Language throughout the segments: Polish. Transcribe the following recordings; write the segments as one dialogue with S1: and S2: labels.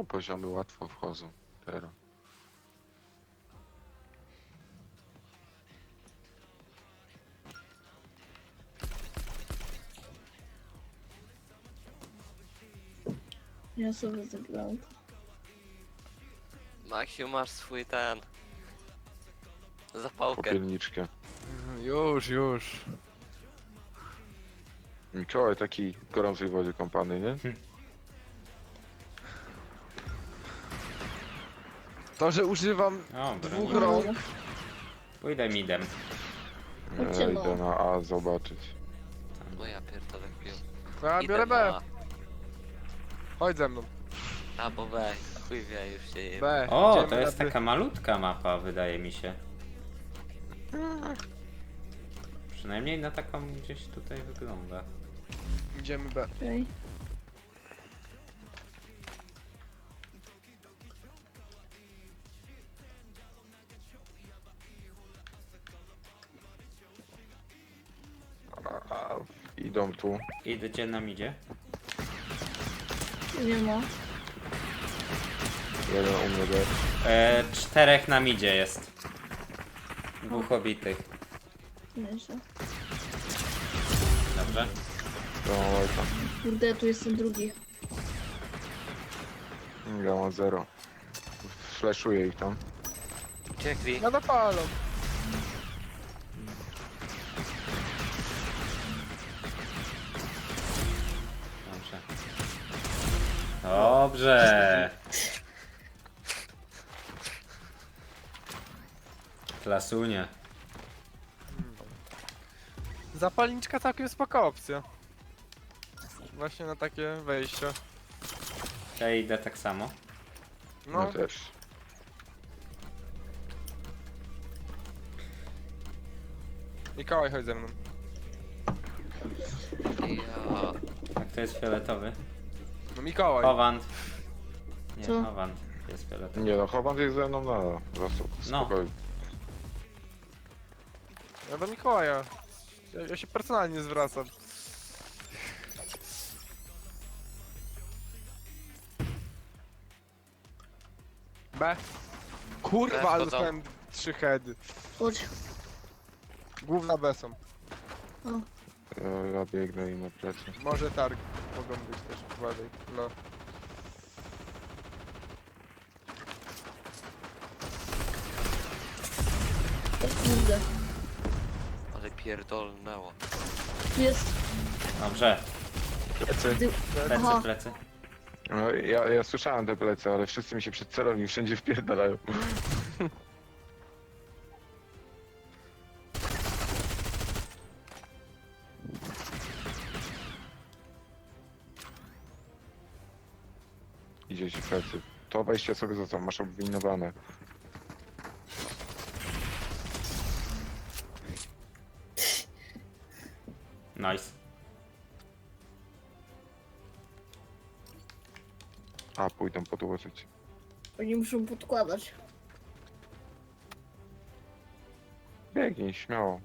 S1: No, poziomy łatwo wchodzą teraz.
S2: Ja sobie zagrałem.
S3: Maksiu, masz swój ten... zapałkę.
S1: Popielniczkę.
S4: Już.
S1: Mikołaj taki w gorącej wodzie kąpany, nie?
S4: To, że używam
S5: Dobra,
S4: dwóch
S5: nie.
S4: rąk.
S5: Pójdę midem.
S1: Ja
S2: Chodźcie, no.
S1: idę na A zobaczyć.
S3: No ja pierdolę pił.
S4: Ja biorę B. Chodź ze mną.
S3: A bo weź, chuj wie, już się je...
S4: B.
S5: O,
S4: Idziemy
S5: to jest
S4: na B.
S5: taka malutka mapa, wydaje mi się. Przynajmniej na taką gdzieś tutaj wygląda.
S4: Idziemy B.
S2: Okej.
S1: A, idą tu.
S5: Idzie nam idzie.
S2: Nie ma.
S1: Jeden u mnie B.
S5: Czterech nam idzie jest. Dwóch obitych.
S2: Mniejsza.
S5: Dobrze.
S1: To mam łajka.
S2: Kurde, tu jestem drugi.
S1: Ja mam 0. Flashuję ich tam.
S3: Uciekli.
S4: Ja napalą.
S5: Dobrze. Dobrze. Klasunie.
S4: Zapalniczka całkiem spoko opcja. Właśnie na takie wejścia.
S5: Ja idę tak samo.
S1: No
S4: No,
S1: też.
S4: Mikołaj, chodź ze mną.
S3: Ja...
S5: A kto jest fioletowy?
S4: No Mikołaj.
S5: Howand. Nie,
S2: Co?
S5: Howand jest fioletowy.
S1: Nie no, chowam jest ze mną na
S5: No.
S1: spokojnie.
S4: Ja do Mikołaja. Ja się personalnie zwracam. B. Kurwa,
S3: B
S4: ale
S3: wchodzą.
S4: dostałem 3 heady.
S2: Chodź.
S4: Główna B są.
S1: Ja biegnę im na plecy.
S4: Może targ. Mogą być też, uważaj. No.
S2: O kurde.
S3: Ale pierdolnęło.
S2: Tu jest.
S5: Dobrze.
S1: Plecy?
S5: Plecy,
S2: Aha.
S5: plecy.
S1: No, ja słyszałem te plecy, ale wszyscy mi się przed celowni wszędzie wpierdalają. Idzie ci plecy. To wejście sobie zostaw, masz obwinowane.
S5: Nice.
S1: A, pójdą podłożyć.
S2: Oni muszą podkładać.
S1: Biegnij, śmiało.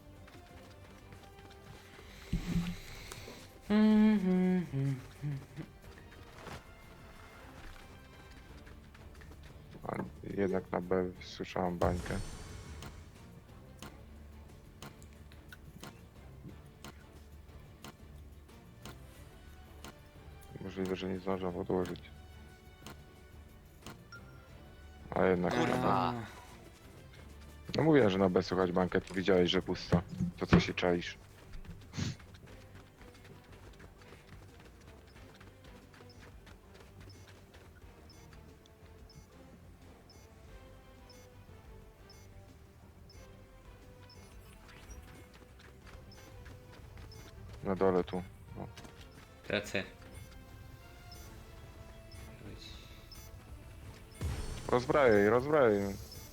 S1: A jednak na B słyszałem bańkę. Możliwe, że nie zdążą podłożyć. A jednak.
S3: Kurwa.
S1: No mówiłem, że na B słychać bańkę, to widziałeś, że pusto. To co się czaisz? Na dole tu. No.
S5: Plecy.
S1: Rozbrajaj, rozbrajaj.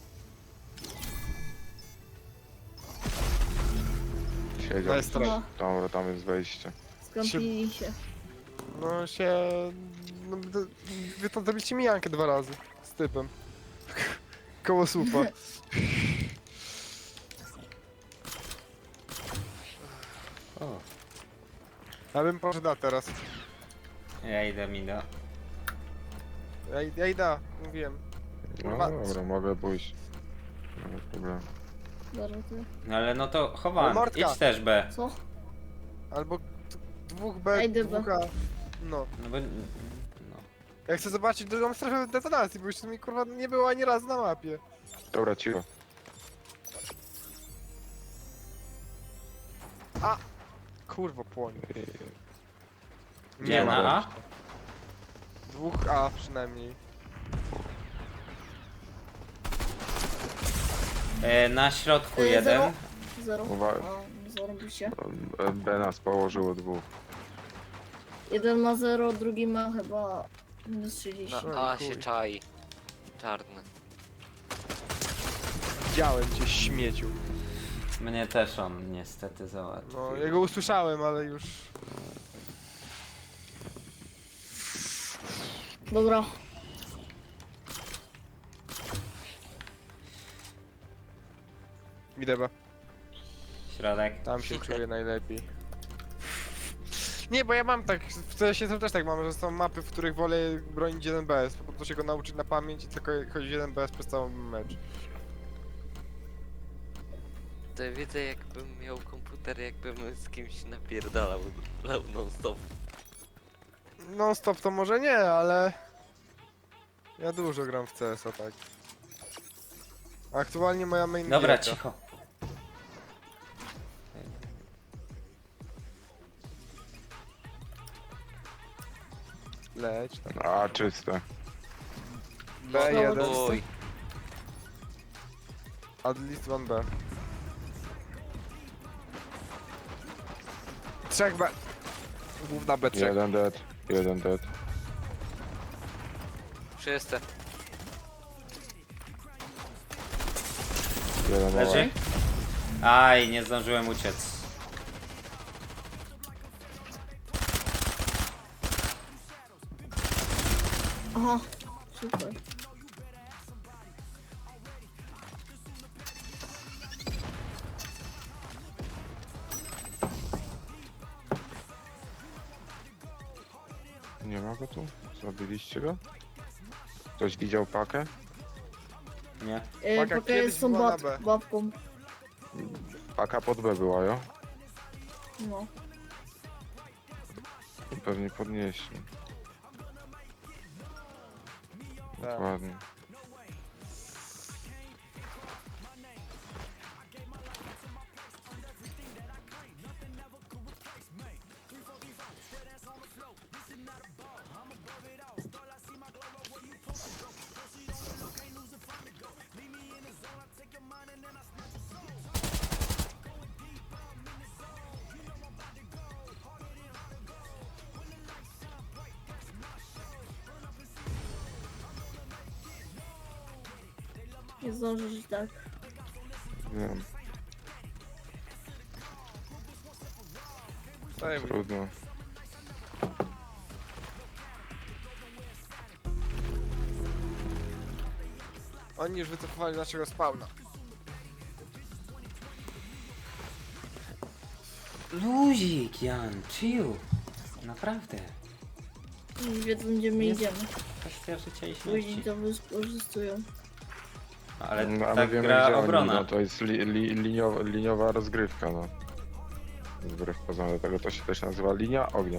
S1: Siedział.
S4: Jest trochę.
S1: Dobra, tam jest wejście.
S2: Skąpili się.
S4: No się... No, wy to zrobiliście mijankę 2 razy. Z typem. Koło słupa.
S5: O,
S4: Ja bym poszedł na teraz.
S5: ja idę mida.
S4: Ja idę, mówiłem.
S1: No
S4: Kurwa.
S1: dobra, mogę pójść. Nie ma problemu.
S2: Dobra, ty.
S5: No ale no to chowam,
S4: No, Mordka.
S5: idź też B.
S2: Co?
S4: Albo dwóch B,
S2: Ejdę B.
S4: dwóch A. No.
S5: No bo... No.
S4: Ja chcę zobaczyć drugą strefę detonacji, bo jeszcze mi kurwa nie było ani razu na mapie.
S1: Dobra, cicho.
S4: Kurwa płonie.
S5: Gdzie,
S1: ma
S5: na A?
S1: gościa.
S4: Dwóch A przynajmniej.
S5: Na środku
S2: Zero.
S5: jeden.
S2: Zero.
S1: Uwaga.
S2: A, zarobiście.
S1: B nas położyło dwóch.
S2: Jeden ma 0, drugi ma chyba minus 30.
S4: No.
S3: A się
S4: chuj.
S3: czai. Czarny.
S4: Widziałem cię, śmieciu.
S5: Mnie też on niestety załatwił.
S4: No, ja go usłyszałem, ale już...
S2: Dobra.
S4: Idę B.
S5: Środek.
S4: Tam się czuję najlepiej. Nie, bo ja mam tak, w CS też tak mam, że są mapy, w których wolę bronić 1BS, po prostu się go nauczyć na pamięć i tylko chodzić 1BS przez cały mecz.
S3: To ja widzę jakbym miał komputer, jakbym z kimś napierdalał non stop.
S4: Non stop to może nie, ale... Ja dużo gram w CS-a, tak. Aktualnie moja main
S5: Dobra,
S4: gierka.
S5: cicho.
S4: Leć tam.
S1: A, czyste.
S4: B1,
S3: Oj,
S4: at least 1B. 3B. Główna B3.
S1: Jeden dead. Jeden dead.
S3: wszyscy.
S1: Jeden
S5: Leży? Aj, nie zdążyłem uciec.
S2: Aha. Super.
S1: Nie ma go tu? Zabiliście go? Ktoś widział pakę?
S5: Nie?
S4: Paka
S2: Paka
S4: kiedyś
S2: jest tą
S4: była na B.
S2: babką.
S1: Paka pod B była, jo?
S2: No.
S1: Pewnie podnieśli.
S4: Tak.
S1: Dokładnie.
S2: Nie zdążysz i tak.
S1: Wiem,
S4: Daj mi.
S1: trudno.
S4: Oni już wycofowali naszego spawna.
S5: Luzik, Jan, chill. Naprawdę.
S2: I wiedzą gdzie my
S5: Jest-
S2: idziemy.
S5: Kwestia życia i
S2: Później
S5: śmierci.
S2: to wykorzystują.
S5: Ale
S1: No, a my
S5: tak
S1: wiemy,
S5: gra
S1: gdzie oni,
S5: obrona.
S1: no, to jest liniowa rozgrywka, no. Wbrew pozorom, dlatego to się też nazywa linia ognia.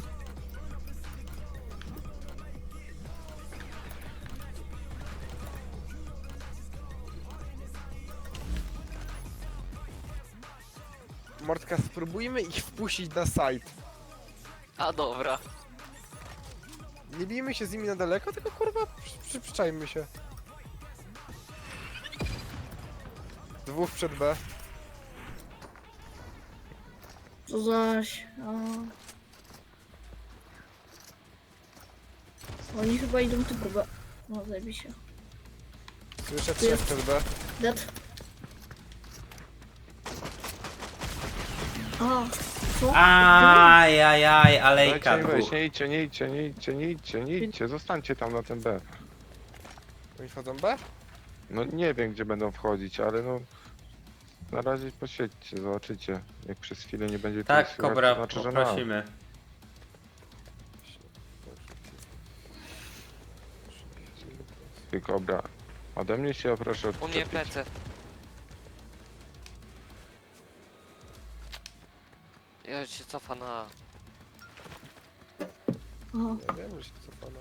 S4: Mordka, spróbujmy ich wpuścić na site.
S3: A dobra.
S4: Nie bijmy się z nimi na daleko, tylko kurwa przyczajmy się. Dwóch przed B.
S2: Co zaś. Oni chyba idą tu próbę. No zajmij się.
S4: Słyszę trzech przed B.
S2: Dead. A, co?
S5: Ajajaj, alejka
S1: Dajcie im wejść,
S5: dwóch.
S1: nie idźcie, nie idźcie, nie idźcie, nie idźcie, nie idźcie, zostańcie tam na tym B.
S4: Oni wchodzą B?
S1: No nie wiem, gdzie będą wchodzić, ale no... Na razie posiedźcie, zobaczycie. Jak przez chwilę nie będzie
S5: Tak,
S1: tu słychać,
S5: Kobra,
S1: to znaczy, że na.
S5: poprosimy.
S1: Ty Kobra. Ode mnie się proszę
S3: U mnie
S1: odczepić.
S3: plecy. Ja się cofa na...
S2: O,
S4: Ja wiem, że się cofana.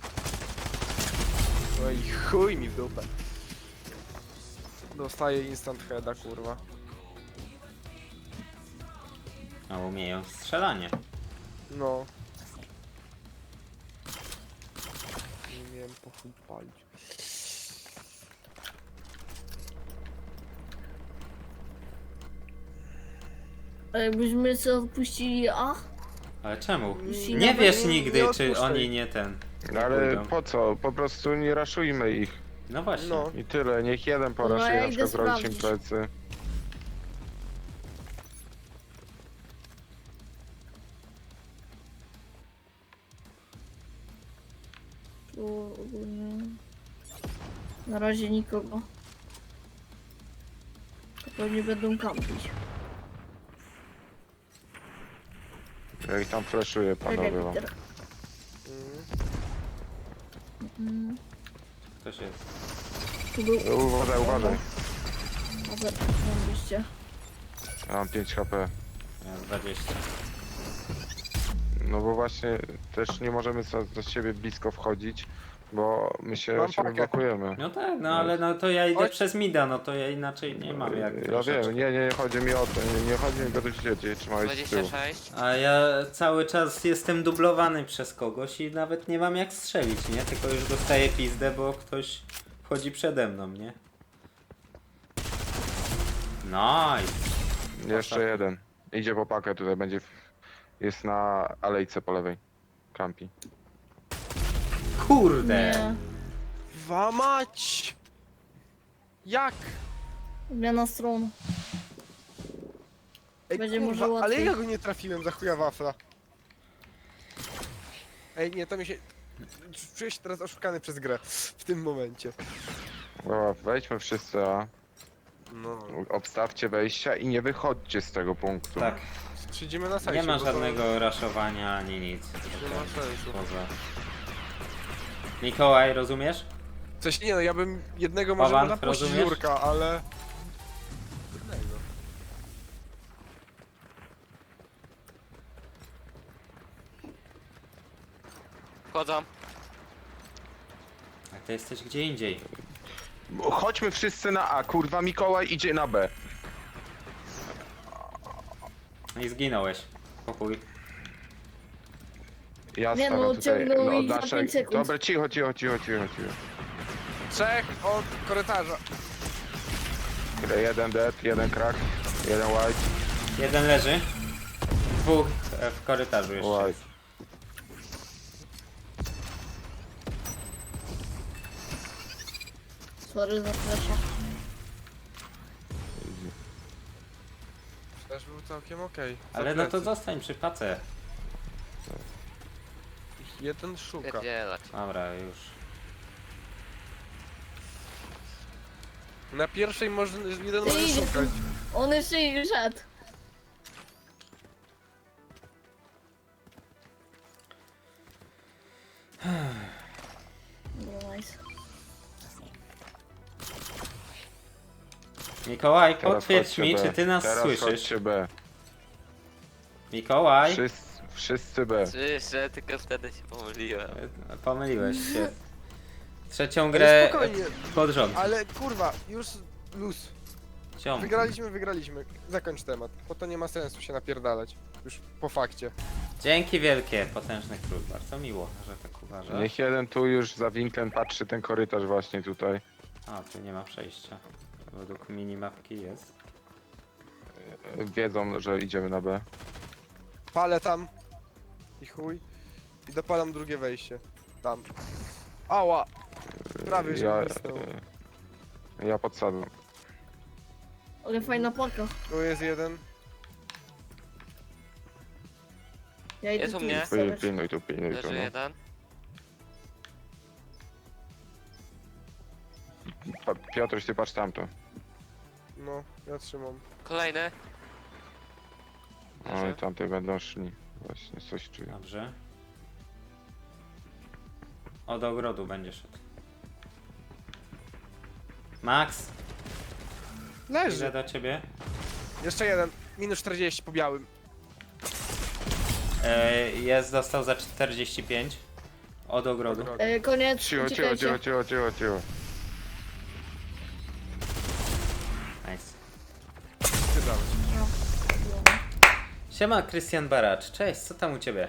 S4: No i chuj mi w dupę. Dostaję instant heada, kurwa.
S5: A umieją strzelanie.
S4: No. Nie miałem po chuj palić.
S2: a jakbyśmy sobie odpuścili A?
S5: Ale czemu?
S2: Jeśli
S5: Nie
S2: nawet
S5: wiesz
S4: nie
S5: nigdy, czy
S4: odpuszczaj.
S5: oni nie ten.
S1: No
S5: nie
S1: ale
S5: pójdą.
S1: po co? Po prostu nie raszujmy ich.
S5: No właśnie.
S4: No.
S1: I tyle, niech jeden
S2: No,
S1: poraszuje,
S2: ja
S1: na
S2: idę
S1: przykład zrobić im
S2: sprawdzić.
S1: plecy.
S2: Tu ogólnie... Na razie nikogo. To pewnie będą kampić.
S1: Ja ich tam flashuję,
S2: Czekaj,
S1: panowie. wam.
S2: Peter. Mm,
S5: Ktoś jest.
S2: Tu był...
S1: Uważaj, uważaj.
S2: Może... Zambyście.
S1: Ja mam 5 HP.
S5: Ja 20.
S1: No bo właśnie też nie możemy do siebie blisko wchodzić, bo my się
S4: Mam
S1: o siebie
S4: pakę.
S1: blokujemy.
S5: No tak, no ale no to ja idę
S4: Chodź.
S5: przez mida, no to ja inaczej nie mam jak
S1: Ja
S5: troszeczkę.
S1: wiem, nie chodzi mi o to, nie chodzi mi o to, że cię trzymałeś z tyłu.
S3: 26.
S5: A ja cały czas jestem dublowany przez kogoś i nawet nie mam jak strzelić, nie? Tylko już dostaję pizdę, bo ktoś wchodzi przede mną, nie? Nice.
S1: Jeszcze jeden. Idzie po pakę, tutaj będzie, jest na alejce po lewej. Kampi.
S5: Kurde!
S2: Nie.
S4: Wamać! Jak?
S2: Zmiana stron.
S4: Ej,
S2: Będzie
S4: kurwa,
S2: może
S4: ale
S2: łatwiej.
S4: ja go nie trafiłem za chuja wafla. Ej, nie, to mi się... Czuję się teraz oszukany przez grę. W tym momencie.
S1: Dobra, wejdźmy wszyscy, a
S4: No.
S1: obstawcie wejścia i nie wychodźcie z tego punktu.
S5: Tak,
S4: Siedzimy na sajcie.
S5: nie ma
S4: bo to-
S5: żadnego raszowania ani nic.
S4: Nie ma sensu.
S5: Poza. Mikołaj, rozumiesz?
S4: Coś nie, no ja bym jednego może
S5: Pawan,
S4: napuścić
S5: rozumiesz?
S4: Jurka, ale... Jednego.
S3: Wchodzą.
S5: A ty jesteś gdzie indziej.
S1: Chodźmy wszyscy na A, kurwa Mikołaj idzie na B.
S5: No i zginąłeś. Pokój.
S1: Ja
S2: Nie,
S1: stawiam
S2: no,
S1: tutaj
S2: ciągnął
S1: no,
S2: ich za
S1: nasze...
S2: 5 sekund.
S1: Dobra, cicho.
S4: Trzech od korytarza.
S1: Jeden dead, jeden crack, jeden white,
S5: Jeden leży. Dwóch w korytarzu jeszcze.
S1: white.
S5: jest.
S2: Sorry za flasha.
S4: Też był całkiem okej. Za
S5: Ale no to
S4: plecy.
S5: zostań przy pace.
S4: Jeden szuka.
S3: Pierdzielać.
S5: Dobra, już.
S4: Na pierwszej może, jeden
S2: Ty
S4: może
S2: idzie
S4: szukać.
S2: On jeszcze nie szedł. No nice.
S5: Mikołaj,
S1: Teraz
S5: potwierdź
S1: chodźcie
S5: mi,
S1: B.
S5: czy ty nas
S1: Teraz
S5: słyszysz.
S1: chodźcie B.
S5: Mikołaj,
S1: Wszyscy B.
S3: Słyszę, tylko wtedy się pomyliłem.
S5: pomyliłeś się. Trzecią
S4: Ale
S5: grę
S4: spokojnie,
S5: pod rząd.
S4: ale kurwa, już luz.
S5: Ciąg.
S4: Wygraliśmy. Zakończ temat, bo to nie ma sensu się napierdalać. Już po fakcie.
S5: Dzięki wielkie, potężny król. Bardzo miło, że tak uważasz.
S1: Niech jeden tu już za winklem patrzy ten korytarz właśnie tutaj.
S5: A, tu nie ma przejścia. Według minimapki jest.
S1: Wiedzą, że idziemy na B.
S4: Palę tam. I chuj. I dopalam drugie wejście. Tam. Ała! Prawie się wysnął.
S1: Ja podsadzam.
S2: Ale fajna paka.
S4: Tu jest jeden.
S2: Ja idę
S3: Jest u
S2: tu
S3: mnie.
S2: ustawiać.
S1: Pilnuj tu,
S3: Leży
S1: no.
S3: jeden.
S1: Piotruś, ty patrz tamto.
S4: No, ja trzymam.
S3: Kolejny.
S1: No i tamte będą szli. Właśnie, coś czuję.
S5: Dobrze. Od ogrodu będzie szedł. Max, idę
S4: Leży.
S5: do ciebie.
S4: Jeszcze jeden. Minus 40 po białym.
S5: Jest, dostał za 45. Od ogrodu.
S2: Koniec,
S1: Cicho, cicho,
S2: uciekajcie.
S1: cicho, cicho, cicho, cicho.
S5: Nice.
S4: Wybrałeś.
S2: No.
S5: Siema, Krystian Baracz. Cześć, co tam u ciebie?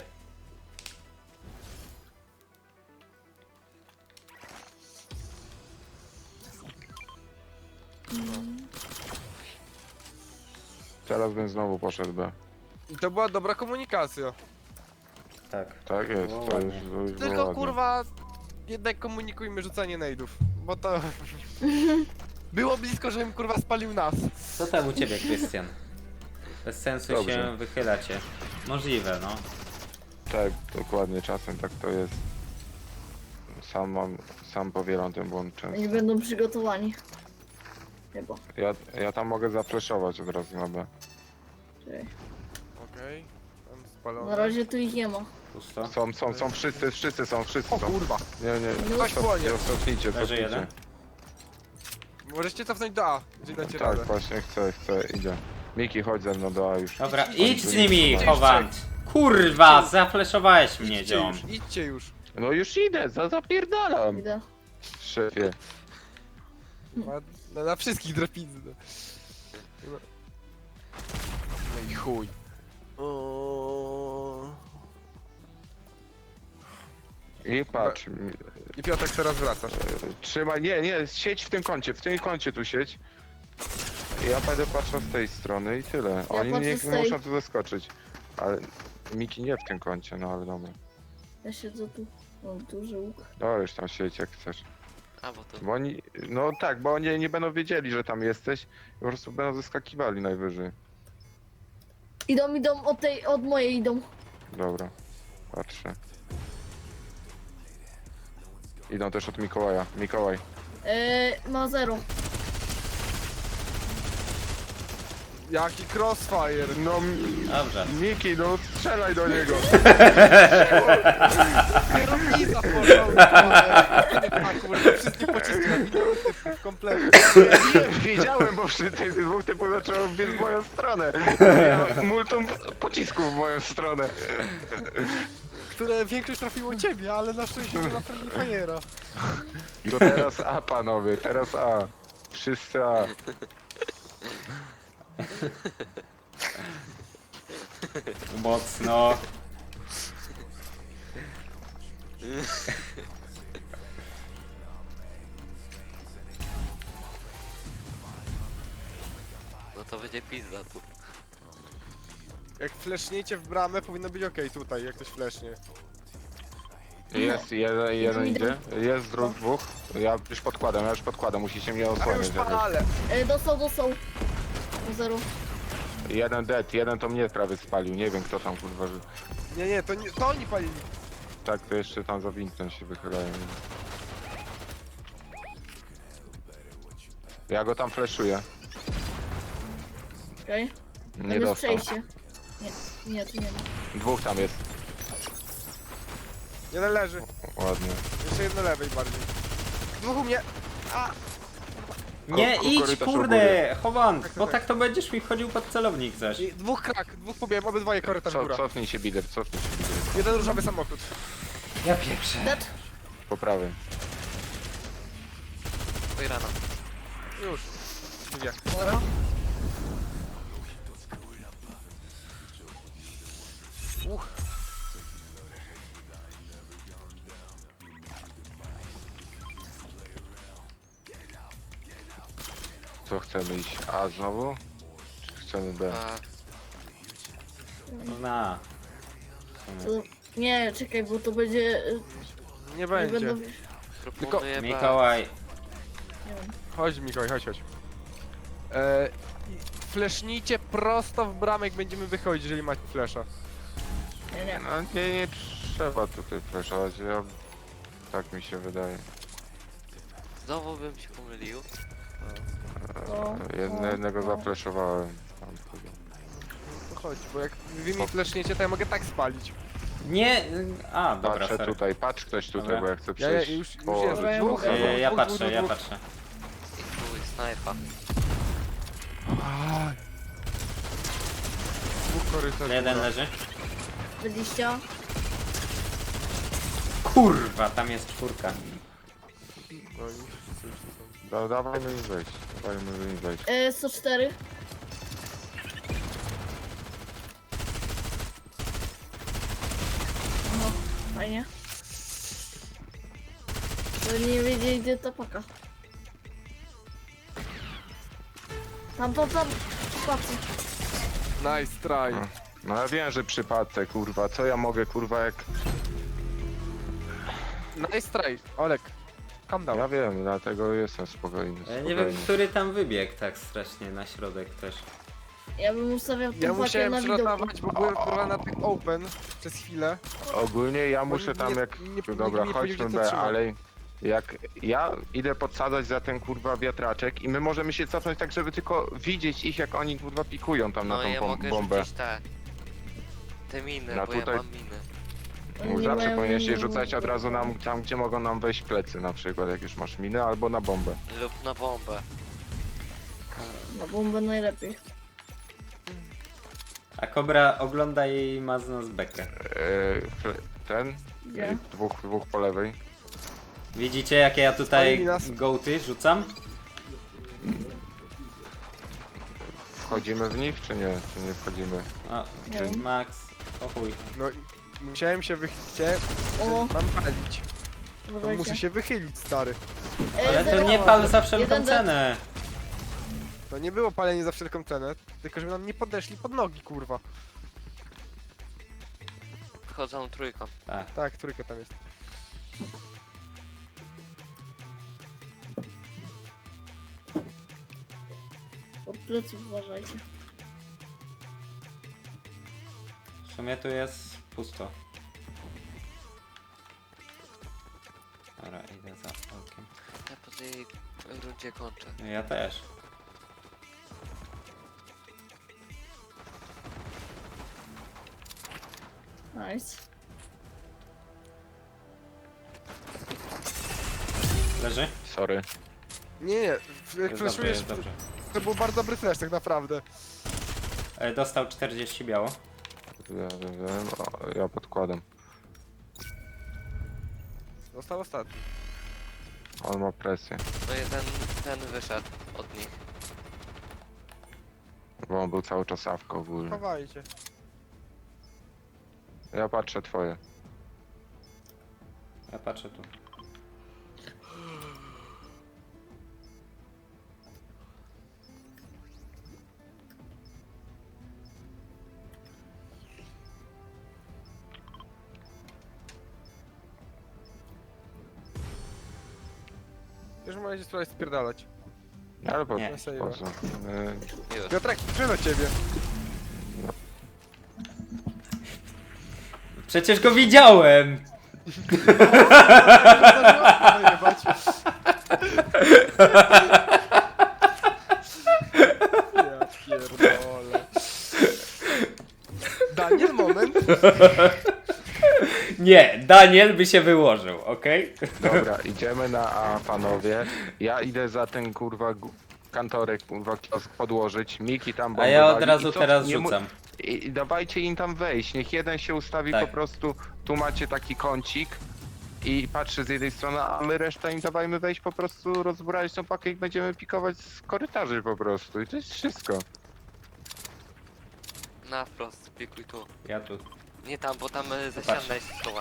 S1: Teraz bym znowu poszedł B.
S4: I to była dobra komunikacja.
S5: Tak.
S1: Tak jest,
S5: No
S1: to
S5: ładnie.
S1: już było
S4: Tylko
S1: ładnie.
S4: kurwa, jednak komunikujmy rzucanie nejdów. Bo to... Było blisko, żebym kurwa spalił nas.
S5: Co tam u ciebie, Krystian? Bez sensu
S1: Dobrze.
S5: się wychylacie. Możliwe, no.
S1: Tak, dokładnie, czasem tak to jest. Sam powielam ten błąd często.
S2: Oni będą przygotowani. Chyba.
S1: Ja tam mogę zafleszować od razu na B.
S2: Czekaj.
S4: Okej. Tam spalony.
S2: Na razie tu ich nie ma.
S5: Pusto.
S1: Są wszyscy są.
S4: O kurwa.
S1: Nie,
S4: Ktoś płonie.
S1: cofnijcie,
S5: Leży jeden.
S1: cofnijcie.
S4: Możecie cofnąć do A, jeżeli dacie
S1: Tak,
S4: radę.
S1: właśnie chcę, idzie. Miki, chodź ze mną do A już.
S5: Dobra,
S1: Chodź,
S5: idź z
S1: tu
S5: nimi,
S1: nie ma.
S5: Chowant! Kurwa, zafleszowałeś mnie,
S4: Idźcie
S5: ziom.
S4: już, idźcie już.
S1: No już idę, zapierdalam.
S2: Idę.
S1: Szefie.
S4: Na wszystkich drapizny. No i chuj.
S1: I patrz,
S4: I Piotrek teraz wracasz.
S1: trzymaj, nie, siedź w tym kącie tu siedź. Ja będę patrzył z tej strony i tyle. Oni
S2: patrzę
S1: nie
S2: z tej.
S1: muszą tu zaskoczyć. Ale Miki nie w tym kącie, no ale dobra.
S2: Ja siedzę tu. Mam duży łuk.
S1: No już tam siedź jak chcesz.
S3: A bo to
S1: Bo oni, no tak, bo oni nie będą wiedzieli, że tam jesteś. Po prostu będą zaskakiwali najwyżej.
S2: Idą od mojej idą.
S1: Dobra, patrzę. Idą też od Mikołaja. Mikołaj.
S2: Ma 0.
S4: Jaki crossfire.
S1: No
S5: Dobrze.
S1: Miki, no strzelaj do niego.
S4: Kierownica porządku. A kurwa, wszystkie pociski nawinęły typów kompletnie.
S1: Nie, wiedziałem, bo przy tych dwóch typów zaczęło biec w moją stronę. Ja multum pocisków w moją stronę.
S4: Które większość trafiło ciebie, ale na szczęście nie na Friendly Fire'a.
S1: To teraz A, panowie, teraz A. Wszyscy A.
S5: Mocno.
S3: no to będzie pizza tu.
S4: Jak fleszniecie w bramę, powinno być okej tutaj, jak ktoś flesznie.
S1: Jest, jeden
S2: Idę.
S1: idzie. Jest dwóch. Ja już podkładam, musicie mnie
S4: A już
S1: osłaniać. jakoś.
S4: palę.
S2: Dostał. Ma 0.
S1: Jeden dead, jeden to mnie prawie spalił, nie wiem kto tam kurwa, że...
S4: Nie, to oni palili.
S1: Tak, to jeszcze tam za winktem się wychylają. Ja go tam flashuję.
S2: Okej.
S1: Nie
S2: Tam jest
S1: dostał.
S2: przejście. Nie, tu nie ma.
S1: Dwóch tam jest.
S4: Jeden leży.
S1: Ładnie.
S4: Jeszcze jedno lewej bardziej. Dwóch u mnie. A!
S5: Nie idź,
S1: korytarz
S5: kurde, Chowant,
S4: Tak,
S5: bo
S4: tak.
S5: tak to będziesz mi wchodził pod celownik zaś.
S4: I dwóch krak, dwóch pobiegłem, obydwoje korytarz góra.
S1: Cofnij się bider, cofnij się bider.
S4: Jeden różowy samochód.
S5: Ja pieprzę.
S2: Dead.
S1: Po prawej.
S3: Oj rano.
S4: Już. Dwie.
S2: Dobra.
S1: Co chcemy iść? A znowu? Czy chcemy B?
S3: A
S5: Na.
S2: To... Nie, czekaj, bo to będzie...
S4: Nie
S2: Nie
S4: będzie.
S2: będą...
S3: proponuję B.
S5: Mikołaj.
S2: Nie wiem.
S4: Chodź Mikołaj, chodź. Flesznijcie prosto w bramę, jak będziemy wychodzić, jeżeli macie flesza.
S2: Nie.
S1: No nie trzeba tutaj flashować, ja... Tak mi się wydaje.
S3: Znowu bym się pomylił.
S1: Jednego
S2: no.
S1: zaflashowałem. Tam chyba.
S4: To chodź, bo jak wy mi fleszniecie, to ja mogę tak spalić.
S5: Nie. A, dobra,
S1: Patrzę
S5: sorry.
S1: tutaj, patrz ktoś tutaj,
S5: Dobra.
S1: bo ja chcę
S4: Ja
S1: przejść.
S4: już
S1: po-
S4: jest.
S2: Dobra, ja
S4: Dwóch,
S2: mogę.
S4: dwóch,
S5: Ja
S4: dwóch,
S5: patrzę,
S4: dwóch,
S5: ja
S4: dwóch.
S5: patrzę.
S3: snajpa.
S4: Dwóch korytarzy.
S5: Jeden leży.
S2: 20.
S5: Kurwa, tam jest czwórka.
S4: No i wszyscy już tu są.
S1: Dawajmy im wejść. Dawajmy im wejść.
S2: 104. No, fajnie. To nie wiedzieli gdzie ta paka. Tam. Patrzę.
S4: Nice try.
S1: No ja wiem, że przypadek, kurwa. Co ja mogę, kurwa, jak...
S4: Nice try. Olek, calm down.
S1: Ja wiem, dlatego jestem spokojny.
S5: Ja nie wiem, który tam wybiegł tak strasznie na środek też.
S2: Ja bym ustawiał
S4: Ja
S2: tą pakę
S4: musiałem
S2: na widoku.
S4: przelotować, bo byłem kurwa na tych open przez chwilę.
S1: Ogólnie ja
S4: Bo
S1: muszę tam
S4: nie-
S1: jak...
S4: nie-
S1: Dobra,
S4: nie
S1: chodźmy
S4: powiedział,
S1: B,
S4: co trzeba.
S1: ale... Jak ja idę podsadzać za ten kurwa wiatraczek i my możemy się cofnąć tak, żeby tylko widzieć ich, jak oni kurwa pikują tam na
S3: No
S1: tą
S3: ja mogę
S1: bombę.
S3: rzucić te miny,
S1: No
S3: bo
S1: tutaj-
S3: ja mam miny.
S2: Oni
S1: Zawsze
S2: mają-
S1: powinieneś je rzucać od razu tam, gdzie mogą nam wejść plecy, na przykład jak już masz minę, albo na bombę.
S3: Lub na bombę.
S2: Na bombę najlepiej.
S5: A Kobra ogląda jej i ma z nas bekę.
S1: Ten?
S2: Gdzie?
S1: Dwóch po lewej.
S5: Widzicie jakie ja tutaj
S4: Spalili nas.
S5: gołty rzucam?
S1: Wchodzimy w nich, czy nie? Czy nie wchodzimy?
S5: O,
S2: Nie.
S5: Max, o chuj.
S4: No i musiałem się wychylić.
S2: O,
S4: Mam palić. To
S2: uważajcie.
S4: muszę się wychylić, stary.
S5: Ale to
S2: zero.
S5: nie pal za wszelką
S2: Jeden
S5: cenę.
S4: To nie było palenie za wszelką cenę, tylko żeby nam nie podeszli pod nogi, kurwa.
S3: Wchodzą trójką.
S5: Tak.
S4: Tak, trójka tam jest.
S2: Od pleców uważajcie.
S5: W sumie tu jest pusto. Dobra, idę za okiem.
S3: Ja po tej rundzie kończę.
S5: Ja też.
S2: Nice.
S5: Leży?
S1: Sorry.
S4: Nie, jak
S5: Dobrze,
S4: flashujesz,
S5: jest dobrze.
S4: to był bardzo dobry flash tak naprawdę.
S5: Dostał 40 biało.
S1: Wiem, ja podkładam.
S4: Został ostatni.
S1: On ma presję,
S3: No ten wyszedł od nich.
S1: bo on był cały czas awko ogólnie.
S4: Chowajcie.
S1: Ja patrzę twoje.
S5: Ja patrzę tu.
S4: Już możecie spróbować spierdalać.
S1: Ale po,
S5: Nie.
S1: po co?
S3: Już.
S4: Piotrek, przyjdę do ciebie.
S5: Przecież go widziałem!
S4: Zajebać. Ja pierdolę. Daniel, moment.
S5: Nie, Daniel by się wyłożył, okej?
S1: Dobra, idziemy na A, panowie. Ja idę za ten kurwa kantorek, kurwa kiosk podłożyć. Miki tam
S5: A ja od
S1: bombowali.
S5: razu
S1: I co-
S5: teraz
S1: nie mu-
S5: rzucam.
S1: I dawajcie im tam wejść. Niech jeden się ustawi
S5: Tak.
S1: po prostu. Tu macie taki kącik i patrzy z jednej strony, a my reszta im dawajmy wejść po prostu, rozbrać tą pakę i będziemy pikować z korytarzy po prostu. I to jest wszystko.
S3: Na wprost, pikuj tu.
S5: Ja tu.
S3: Nie tam, bo tam za
S5: Patrz.
S3: ścianę się schowa.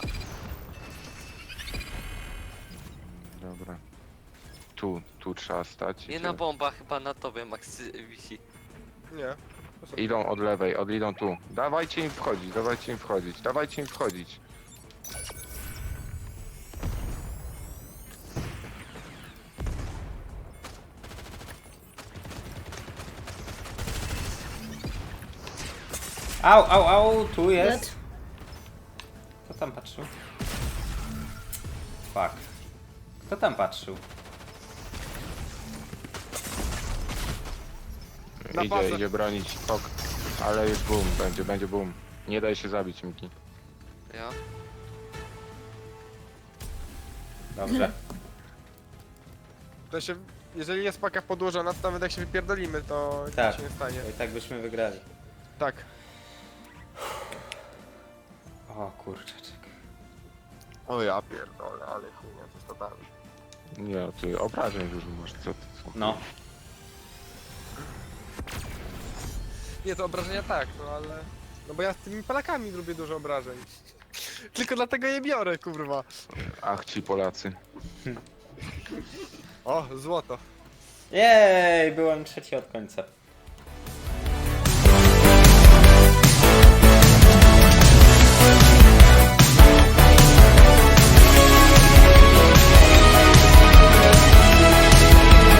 S1: Dobra. Tu trzeba stać.
S3: Nie
S1: Idzie.
S3: na bomba, chyba na tobie Max wisi.
S4: Nie.
S1: Idą od lewej, idą tu. Dawajcie im wchodzić, dawajcie im wchodzić, dawajcie im wchodzić.
S5: Au, au, au, tu jest.
S2: Dead.
S5: Kto tam patrzył? Fuck. Kto tam patrzył?
S4: Na bazę.
S1: Idzie bronić tok. Ale już boom, będzie boom. Nie daj się zabić, Miki.
S3: Ja?
S5: Dobrze.
S4: To się, jeżeli jest paka podłożona, to nawet jak się wypierdolimy, to nic
S5: Tak.
S4: się nie stanie.
S5: To i tak byśmy wygrali.
S4: Tak.
S5: O kurczaczek.
S4: O ja pierdolę, ale chujnia, to jest totalnie.
S1: Nie, ty obrażeń dużo masz, co ty, co?
S5: No.
S4: Nie, to obrażenia tak, no ale... No bo ja z tymi Polakami lubię dużo obrażeń. Tylko dlatego je biorę, kurwa.
S1: Ach ci Polacy.
S4: O, złoto.
S5: Jej, byłem trzeci od końca.